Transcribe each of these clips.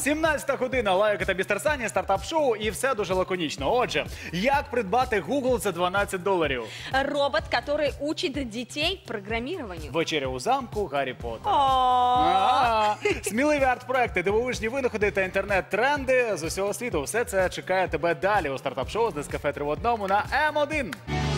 17 година, Лайка та Містер Сані, стартап-шоу і все дуже лаконічно. Отже, як придбати Google за $12? Робот, который учит детей программированию. Вечеря у замку Гаррі Поттера. О, Сміливі арт-проекти, дивовижні винаходи та інтернет-тренди з усього світу. Все це чекає тебе далі у стартап-шоу з Нескафе 3 в одному на М1.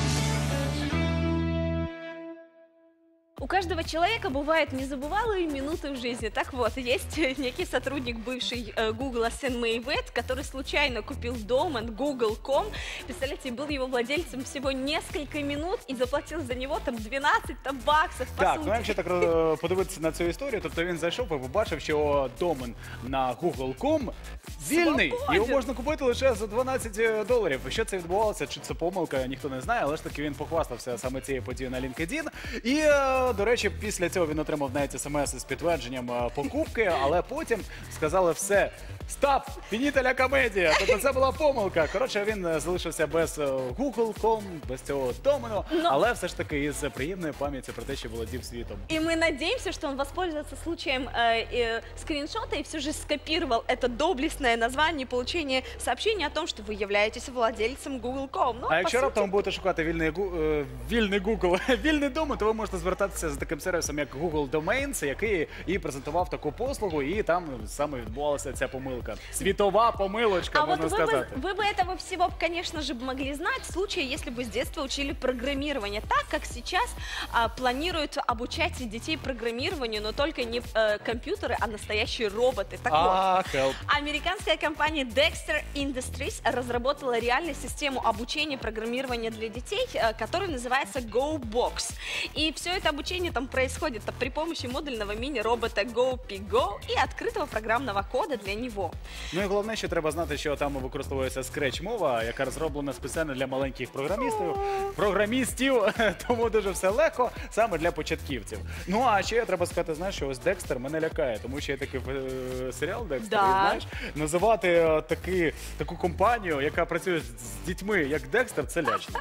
У каждого человека бывают незабывалые минуты в жизни. Так вот, есть некий сотрудник бывший Google Сэм Мэйвет, который случайно купил домен Google.com. Представляете, был его владельцем всего несколько минут и заплатил за него там 12 баксов, по Так, сути. ну якщо так подивитися на цю історію, тобто він зайшов і побачив, що домен на Google.com вільний, Свободен. його можна купити лише за $12. Що це відбувалося, чи це помилка, ніхто не знає, але ж таки він похвастався саме цією подією на LinkedIn. І, до речі, після цього він отримав навіть смс з підтвердженням покупки, але потім сказали все, стоп, фініта ля комедія, тобто це була помилка. Коротше, він залишився без Google.com, без цього домену, але все ж таки із приємною пам'яттю про те, що володів світом. И мы надеемся, что он воспользуется случаем скриншота и все же скопировал это доблестное название получения сообщения о том, что вы являетесь владельцем Google.com. Ну, А якщо по раптом сути, будете шукати вільний Google, вільний домен, то ви можете звертатися з таким сервісом, як Google Domains, який і презентував таку послугу, і там саме відбувалася ця помилка. Світова помилочка, А вот можна сказати. вы бы этого всего, конечно же, могли знать в случае, если бы с детства учили программирование, так как сейчас планируют обучать детей программированию, но только не компьютеры, а настоящие роботы. Так вот, Help. американская компания Dexter Industries разработала реальную систему обучения программирования для детей, которая называется GoBox. И все это обучение там происходит при помощи модульного мини-робота GoPiGo и открытого программного кода для него. Ну і головне, що треба знати, що там використовується Scratch-мова, яка розроблена спеціально для маленьких програмістів, тому дуже все легко, саме для початківців. Ну, а ще треба сказати, знаєш, що ось Декстер мене лякає, тому що є такий серіал Декстер, Да. і знаєш, називати таку компанію, яка працює з дітьми, як Декстер, це лячно.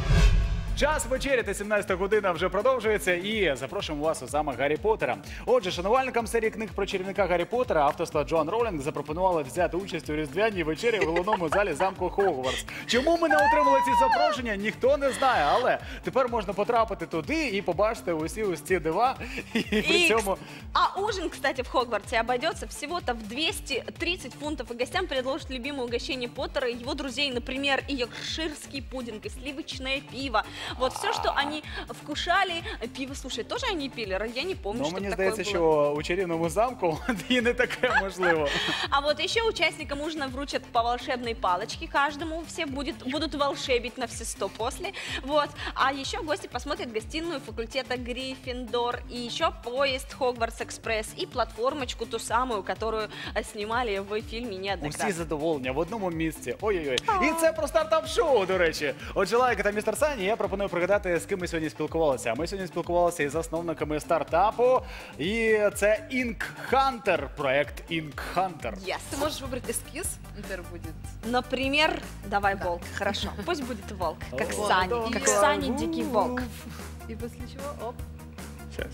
Час вечеряти, 17 година вже продовжується, і запрошуємо вас у замок Гаррі Поттера. Отже, шанувальникам серії книг про чарівника Гаррі Поттера авторства Джоан Роулінг запропонували взяти участь у різдвяній вечері в головному залі замку Хогвартс. Чому ми не отримали ці запрошення, ніхто не знає, але тепер можна потрапити туди і побачити усі ось ці дива, і при цьому... А ужин, кстати, в Хогвартсе обойдется всего-то в 230 фунтов, и гостям предложат любимое угощение Поттера и его друзей, например, и йоркширский пудинг, и сливочное пиво. Вот все, что они вкушали, пиво, слушай, тоже они пили? Я не помню, Ну, что мені такое здається, было. що у чарівному замку і не таке можливо. А вот еще участникам ужина вручат по волшебной палочке каждому, все будут волшебить на все 100 после. Вот. А еще гости посмотрят гостиную факультета Гриффиндор, и еще поезд Хогвартс Экспресс, и платформочку ту самую, которую снимали в фильме неоднократно. Усі задоволення в одному місці. Ой-ой-ой. І це про стартап-шоу, до речі. Отже, Лайка та Містер Сані, я пропоную пригадати, з ким ми сьогодні спілкувалися. Ми сьогодні спілкувалися із засновниками стартапу, і це Ink Hunter, проект Ink Hunter. Yes. Ты можешь выбрать эскиз, например, будет. Например, давай волк, хорошо, пусть будет волк, как О, Сани, да, как да. Сани дикий волк. И после чего, оп. Сейчас.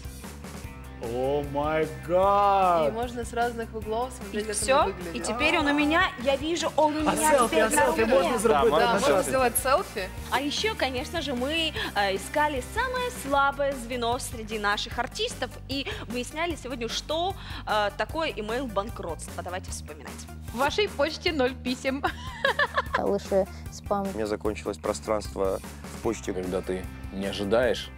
О май И гад! можно с разных углов И смотреть, как все, оно выглядит. и теперь он у меня, я вижу, он у А меня селфі, теперь на руке. можна зробити Да, на можно селфі? сделать селфи. А еще, конечно же, мы искали самое слабое звено среди наших артистов и выясняли сегодня, что такое имейл банкротства. Давайте вспоминать. В вашей почте 0 писем. Лише спам. У меня закончилось пространство в почте. Когда ты не ожидаешь,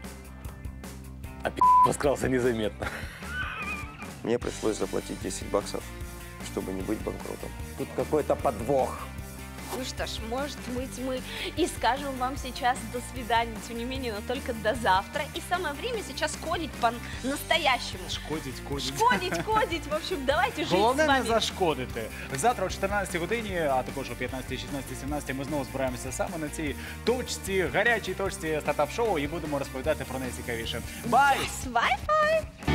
а подкрался незаметно. Мне пришлось заплатить 10 баксов, чтобы не быть банкротом. Тут какой-то подвох. Ну что ж, может быть, мы и скажем вам сейчас до свидания, тем не менее, но только до завтра. И самое время сейчас кодить по-настоящему. Шкодить, Кодить, в общем, давайте жить Головне с не вами. зашкодити. Завтра о 14 годині, а також о 15, 16, 17 ми знову збираємося саме на цій точці, гарячій точці стартап-шоу і будемо розповідати про найцікавіше. Бай! Wi-Fi!